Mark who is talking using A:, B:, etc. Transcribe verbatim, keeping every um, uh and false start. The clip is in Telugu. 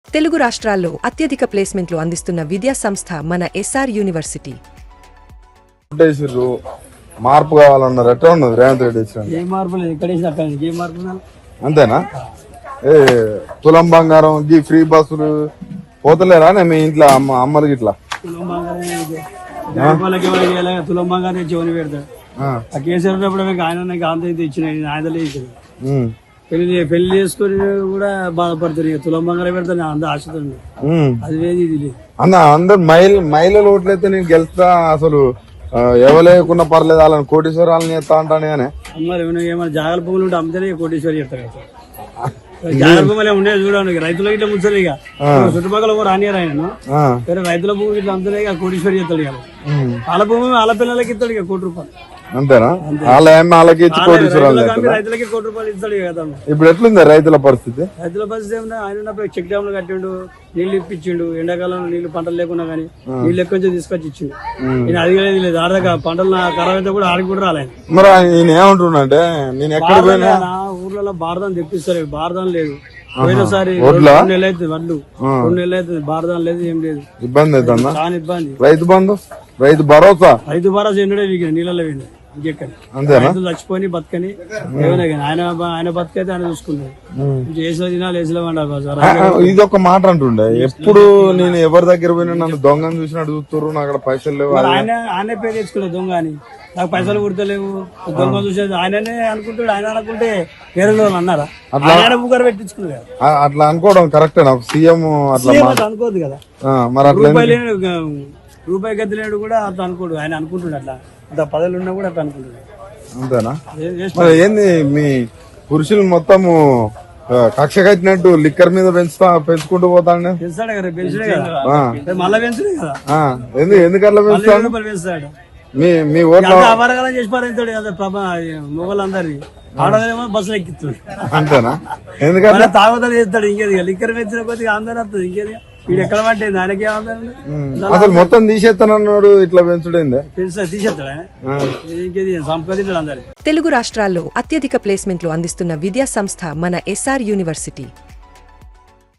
A: తెలుగు రాష్ట్రాల్లో అత్యధిక ప్లేస్మెంట్లు అందిస్తున్న విద్యా సంస్థ మన ఎస్ఆర్ యూనివర్సిటీ.
B: మార్పు కావాలన్నారు ఎట్లా ఉన్నది రేవంత్ రెడ్డి వచ్చిన
C: ఏ మార్పు లేదు, ఎక్కడ వేసిన అక్కడ ఏ మార్పు
B: అంతేనా? ఏ తులం బంగారం గీ ఫ్రీ బస్సులు పోతలేరా మీ ఇంట్లో అమ్మ అమ్మలకి ఇట్లా
C: తులం బంగారం తులం బంగారం చెవుని పెడతాడు. ఆ కేసీఆర్ ఉన్నప్పుడు ఆయన ఆంధ్ర ఇచ్చిన ఆయన ఇచ్చాడు. పెళ్లి పెళ్లి చేసుకుని కూడా బాధపడతారు. ఇక తులం బంగారం పెడతాను అంత ఆశతో అది వేది ఇది లేదు
B: అన్న. అందరు మహిళ మహిళలు ఓట్లయితే నేను గెలుస్తా అసలు ఎవలేకున్నా పర్లేదు వాళ్ళని కోటీశ్వరాలని చేస్తా అంటాను. కానీ
C: మరి ఏమైనా జాగ్రత్త పువ్వులు ఉంటే అమ్మితేనే కోటీశ్వరి చెప్తారు కదా. జాగ్రత్త పువ్వులు ఉండేది చూడండి, రైతులకు ఇట్లా ముంచారు. ఇక చుట్టుపక్కల కూడా రానియరు ఆయన. వేరే రైతుల భూమి ఇట్లా అమ్మితేనే ఇక కోటీశ్వరి చెప్తాడు. ఇక వాళ్ళ భూమి వాళ్ళ పిల్లలకి ఇస్తాడు ఇక కోటి రూపాయలు.
B: అంతేనా? వాళ్ళ వాళ్ళకి ఇచ్చి కోటీశ్వరాలు
C: రైతులకి కోటి రూపాయలు ఇస్తాడు కదా.
B: ఇప్పుడు ఎట్లుంది రైతుల పరిస్థితి?
C: రైతుల పరిస్థితి ఏమన్నా ఆయన ఉన్నప్పుడు చెక్ డ్యామ్లు కట్టిండు, నీళ్లు ఇప్పించిండు. ఎండాకాలంలో నీళ్లు పంటలు లేకున్నా కానీ నీళ్ళు ఎక్కువ తీసుకొచ్చి ఇచ్చిండు. నేను అడిగేది లేదు. ఆడదాకా పంటలు ఖరాబ్ అయితే కూడా ఆడికి కూడా రాలేదు.
B: మరి నేను ఏమంటున్నా అంటే నేను ఎక్కడ పోయినా
C: ఊర్లలో బారదాన్ తెప్పిస్తారు. బారదాన్ లేదు. పోయినసారి రెండు నెలలు అవుతుంది వడ్లు రెండు నెలలు అవుతుంది బారదాన్ లేదు, ఏం లేదు.
B: ఇబ్బంది అవుతుందా?
C: చాలా ఇబ్బంది.
B: రైతు బంధు రైతు భరోసా
C: రైతు భరోసా ఎన్నడే వీగిన నీళ్ళలో పోయింది. ఇంకెక్కడ రైతులు చచ్చిపోయి బతకని ఏమైనా కానీ ఆయన ఆయన బతికైతే ఆయన చూసుకున్నాడు. ఏసులో తినాలి ఏసులో వండాలి.
B: ఇది ఒక మాట అంటుండే ఎప్పుడు నేను ఎవరి దగ్గర పోయినా నన్ను దొంగను చూసినట్టు చూస్తారు. నాకు అక్కడ పైసలు లేవు.
C: ఆయన ఆయనే పేరు తెచ్చుకోలేదు దొంగ అని. నాకు పైసలు కుడతలేవు దొంగ చూసేది ఆయననే అనుకుంటాడు. ఆయన అనుకుంటే వేరే వాళ్ళు అన్నారా? ఆయన ముగ్గురు పెట్టించుకున్నారు.
B: అట్లా అనుకోవడం కరెక్టే. నాకు సీఎం అట్లా
C: అనుకోదు కదా.
B: మరి అట్లా
C: రూపాయి గది లేడు కూడా అట్లా అనుకోడు. ఆయన అనుకుంటున్నాడు అట్లా అంత పదవులు ఉన్నా కూడా అట్లా అనుకుంటున్నాడు.
B: అంతేనా? మరి ఏంది మీ పురుషులు మొత్తము కక్ష కట్టినట్టు లిక్కర్ మీద పెంచుతా పెంచుకుంటూ పోతాడు.
C: పెంచాడు కదా, పెంచడే కదా, మళ్ళా పెంచడే కదా.
B: ఎందుకు ఎందుకు అట్లా పెంచుతాడు?
C: పెంచుతాడు
B: మీ మీ ఓట్ల
C: అపరకాలం చేసి పారేస్తాడు కదా ప్రభా మొగలందరినీ. ఆడదేమో బస్సులు ఎక్కిస్తాడు.
B: అంతేనా? ఎందుకంటే
C: తాగుతాడు చేస్తాడు. ఇంకేది లిక్కర్ పెంచిన కొద్దిగా అందరూ వస్తుంది. ఇంకేది వీడు ఎక్కడ పట్టేది ఆయనకే
B: అసలు మొత్తం తీసేస్తానన్నాడు. ఇట్లా పెంచుడైందే
C: తీసేస్తాడు. ఇంకేది సంపాదించాడు అందరు.
A: తెలుగు రాష్ట్రాల్లో అత్యధిక ప్లేస్మెంట్లు అందిస్తున్న విద్యా సంస్థ మన ఎస్ఆర్ యూనివర్సిటీ.